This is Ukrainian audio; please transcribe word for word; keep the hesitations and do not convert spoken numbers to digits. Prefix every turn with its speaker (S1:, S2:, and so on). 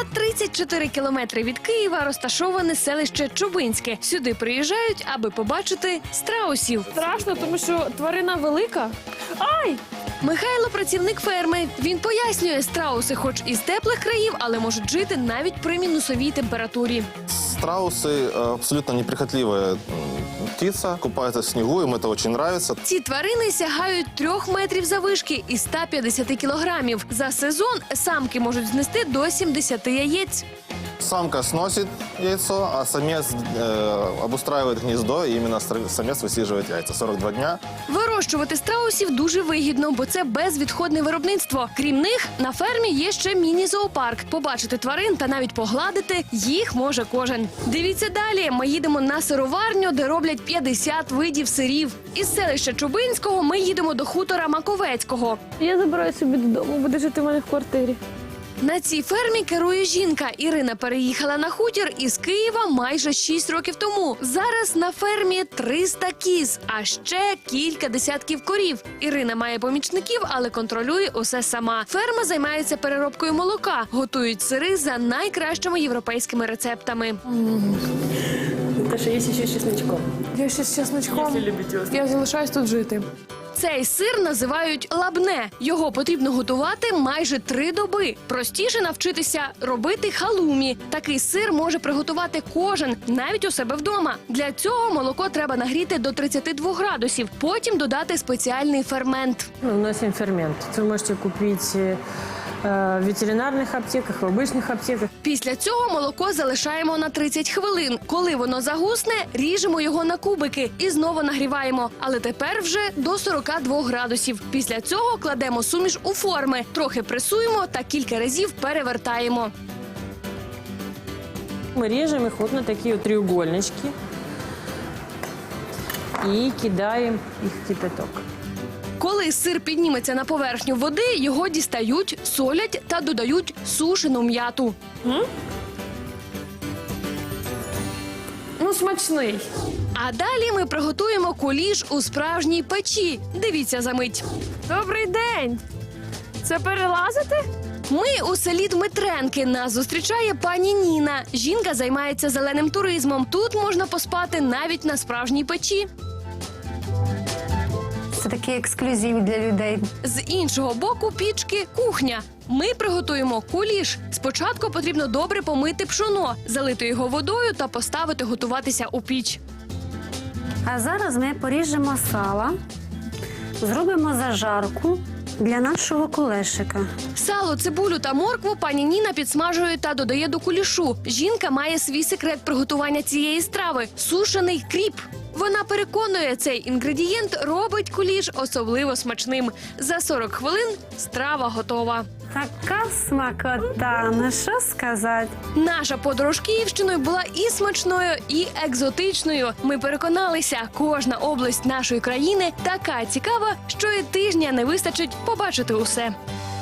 S1: За тридцять чотири кілометри від Києва розташоване селище Чубинське. Сюди приїжджають, аби побачити страусів.
S2: Страшно, тому що тварина велика. Ай!
S1: Михайло – працівник ферми. Він пояснює, страуси хоч із теплих країв, але можуть жити навіть при мінусовій температурі.
S3: Страусы э, абсолютно неприхотливая м, птица, купается в снегу, им это очень нравится.
S1: Ці тварини сягають трьох метрів заввишки і ста п'ятдесят кілограмів. За сезон самки можуть знести до сімдесяти яєць.
S3: Самка сносит яйцо, а самец э, обустраивает гнездо, и именно стра- самец высиживает яйца. сорок два дня.
S1: Вирощувати страусів дуже вигідно, бо це безвідходне виробництво. Крім них, на фермі є ще міні-зоопарк. Побачити тварин та навіть погладити їх може кожен. Дивіться далі. Ми їдемо на сироварню, де роблять п'ятдесят видів сирів. Із селища Чубинського ми їдемо до хутора Маковецького.
S2: Я забираю собі додому, буде жити в мене в квартирі.
S1: На цій фермі керує жінка. Ірина переїхала на хутір із Києва майже шість років тому. Зараз на фермі триста кіз, а ще кілька десятків корів. Ірина має помічників, але контролює усе сама. Ферма займається переробкою молока, готують сири за найкращими європейськими рецептами.
S4: Наташа, є ще з чесночком.
S2: Я ще з чесночком.
S4: Якщо любите острий.
S2: Я залишаюсь тут жити.
S1: Цей сир називають лабне. Його потрібно готувати майже три доби. Простіше навчитися робити халумі. Такий сир може приготувати кожен, навіть у себе вдома. Для цього молоко треба нагріти до тридцяти двох градусів. Потім додати спеціальний фермент.
S4: Ми вносимо фермент. Це ви можете купити в ветеринарних аптеках, в обичних аптеках.
S1: Після цього молоко залишаємо на тридцять хвилин. Коли воно загусне, ріжемо його на кубики і знову нагріваємо. Але тепер вже до сорока двох градусів. Після цього кладемо суміш у форми, трохи пресуємо та кілька разів перевертаємо.
S4: Ми ріжемо їх от на такі от треугольнички і кидаємо їх в кипяток.
S1: Коли сир підніметься на поверхню води, його дістають, солять та додають сушену м'яту.
S2: Ну, смачний.
S1: А далі ми приготуємо куліш у справжній печі. Дивіться за мить.
S2: Добрий день. Це перелазити?
S1: Ми у селі Дмитренки. Нас зустрічає пані Ніна. Жінка займається зеленим туризмом. Тут можна поспати навіть на справжній печі.
S5: Це такий ексклюзив для людей.
S1: З іншого боку пічки – кухня. Ми приготуємо куліш. Спочатку потрібно добре помити пшоно, залити його водою та поставити готуватися у піч.
S5: А зараз ми поріжемо сало, зробимо зажарку для нашого кулешика.
S1: Сало, цибулю та моркву пані Ніна підсмажує та додає до кулішу. Жінка має свій секрет приготування цієї страви – сушений кріп. Вона переконує, цей інгредієнт робить куліш особливо смачним. За сорок хвилин страва готова.
S5: Така смакота, ну що сказати.
S1: Наша подорож Київщиною була і смачною, і екзотичною. Ми переконалися, кожна область нашої країни така цікава, що і тижня не вистачить побачити усе.